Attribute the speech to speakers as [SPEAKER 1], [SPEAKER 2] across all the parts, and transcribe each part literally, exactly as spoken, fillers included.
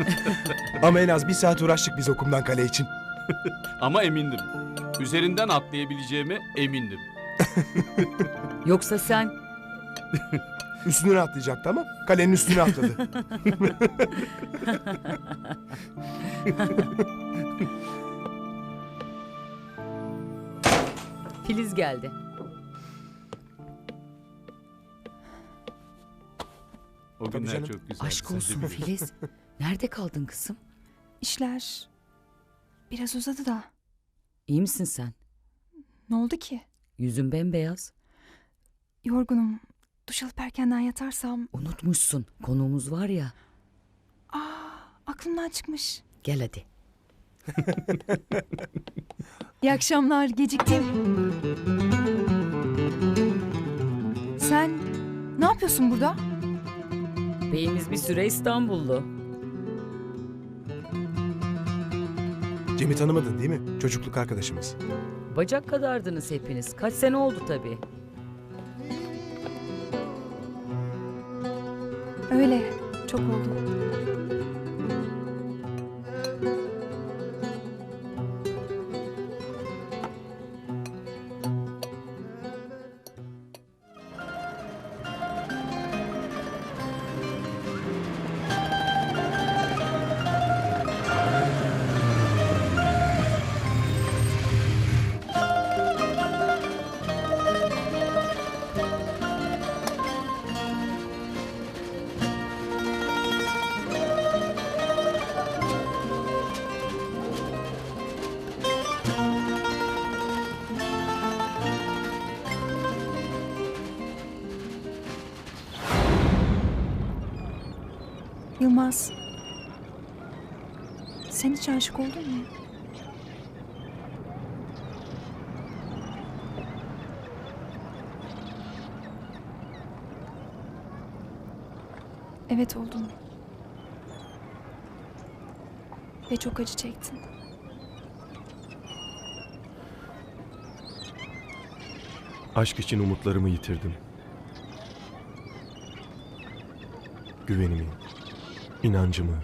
[SPEAKER 1] Ama en az bir saat uğraştık biz okumdan kale için.
[SPEAKER 2] Ama emindim. Üzerinden atlayabileceğime emindim.
[SPEAKER 3] Yoksa sen
[SPEAKER 1] Üstüne atlayacaktı ama kalenin üstüne atladı.
[SPEAKER 3] Filiz geldi.
[SPEAKER 2] O
[SPEAKER 1] Tabii
[SPEAKER 2] günler
[SPEAKER 1] canım.
[SPEAKER 2] çok güzel.
[SPEAKER 3] Aşk olsun Filiz. Nerede kaldın kızım?
[SPEAKER 4] İşler biraz uzadı da.
[SPEAKER 3] İyi misin sen?
[SPEAKER 4] Ne oldu ki?
[SPEAKER 3] Yüzün bembeyaz.
[SPEAKER 4] Yorgunum. Duş alıp erkenden yatarsam...
[SPEAKER 3] Unutmuşsun. Konuğumuz var ya.
[SPEAKER 4] Aa, aklımdan çıkmış.
[SPEAKER 3] Gel hadi.
[SPEAKER 4] İyi akşamlar, geciktim. Sen ne yapıyorsun burada?
[SPEAKER 3] Beyimiz bir süre İstanbullu.
[SPEAKER 1] Cem'i tanımadın değil mi? Çocukluk arkadaşımız.
[SPEAKER 3] Bacak kadardınız hepiniz. Kaç sene oldu tabii.
[SPEAKER 4] Öyle, çok oldu. Yılmaz, sen hiç aşık oldun mu? Evet oldum. Ve çok acı çektin.
[SPEAKER 5] Aşk için umutlarımı yitirdim. Güvenimi, inancımı.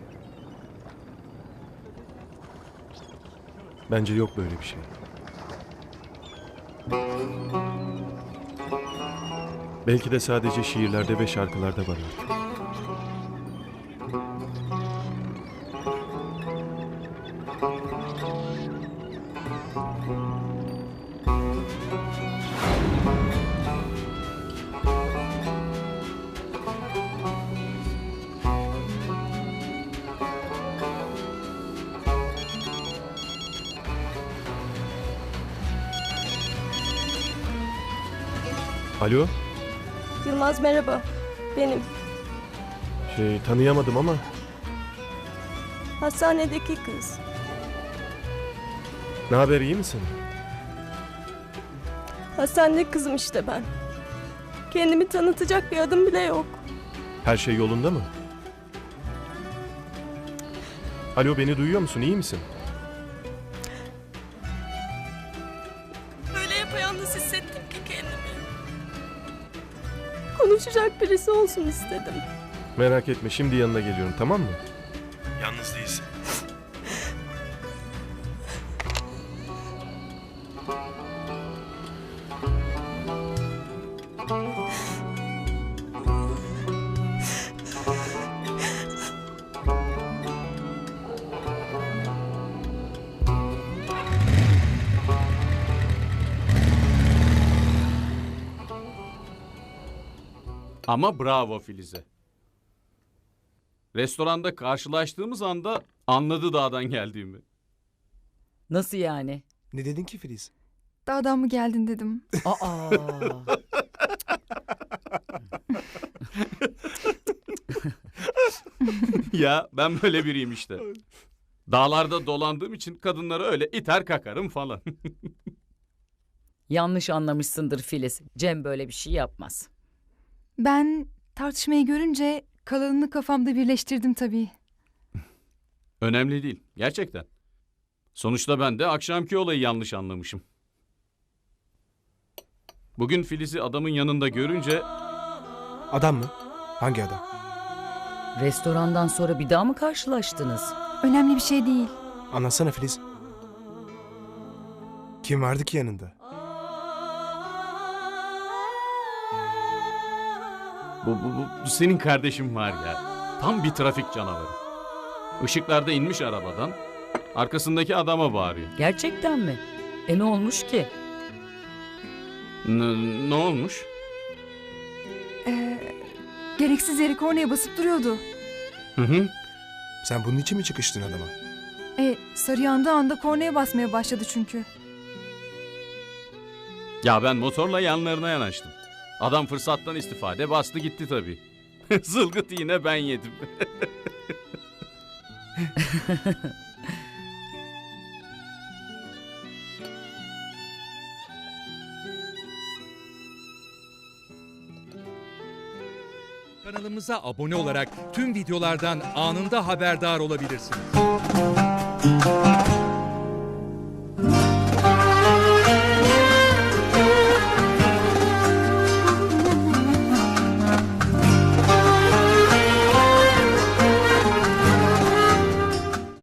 [SPEAKER 5] Bence yok böyle bir şey. Belki de sadece şiirlerde ve şarkılarda var artık. Alo,
[SPEAKER 6] Yılmaz merhaba. Benim.
[SPEAKER 5] şey tanıyamadım ama
[SPEAKER 6] Hastanedeki kız.
[SPEAKER 5] ne haber, iyi misin?
[SPEAKER 6] Hastanedeki kızım işte ben. Kendimi tanıtacak bir adım bile yok.
[SPEAKER 5] Her şey yolunda mı? Alo, beni duyuyor musun, iyi misin?
[SPEAKER 6] Böyle yapayalnız hissettim ki kendimi. Konuşacak birisi olsun istedim.
[SPEAKER 5] Merak etme, şimdi yanına geliyorum, tamam mı? Yalnız değilsin.
[SPEAKER 2] Ama bravo Filiz'e. Restoranda karşılaştığımız anda anladı dağdan geldiğimi.
[SPEAKER 3] Nasıl yani?
[SPEAKER 1] Ne dedin ki Filiz?
[SPEAKER 4] Dağdan mı geldin dedim.
[SPEAKER 3] Aa.
[SPEAKER 2] Ya ben böyle biriyim işte. Dağlarda dolandığım için kadınları öyle iter kakarım falan.
[SPEAKER 3] Yanlış anlamışsındır Filiz. Cem böyle bir şey yapmaz.
[SPEAKER 4] Ben tartışmayı görünce kalanını kafamda birleştirdim tabii.
[SPEAKER 2] Önemli değil gerçekten. Sonuçta ben de akşamki olayı yanlış anlamışım. Bugün Filiz'i adamın yanında görünce
[SPEAKER 1] Adam mı? Hangi adam?
[SPEAKER 3] Restorandan sonra bir daha mı karşılaştınız?
[SPEAKER 4] Önemli bir şey değil.
[SPEAKER 1] Anlatsana Filiz. Kim vardı ki yanında?
[SPEAKER 2] Bu, bu, bu, bu senin kardeşin var ya. Tam bir trafik canavarı. Işıklarda inmiş arabadan. Arkasındaki adama bağırıyor.
[SPEAKER 3] Gerçekten mi? E ne olmuş ki?
[SPEAKER 2] N- ne olmuş?
[SPEAKER 4] Ee, gereksiz yere kornaya basıp duruyordu.
[SPEAKER 2] Hı hı.
[SPEAKER 1] Sen bunun için mi çıkıştın adama?
[SPEAKER 4] E, sarı yandığı anda kornaya basmaya başladı çünkü.
[SPEAKER 2] Ya ben motorla yanlarına yanaştım. Adam fırsattan istifade bastı gitti tabii. Zılgıt yine ben yedim.
[SPEAKER 7] Kanalımıza abone olarak tüm videolardan anında haberdar olabilirsiniz.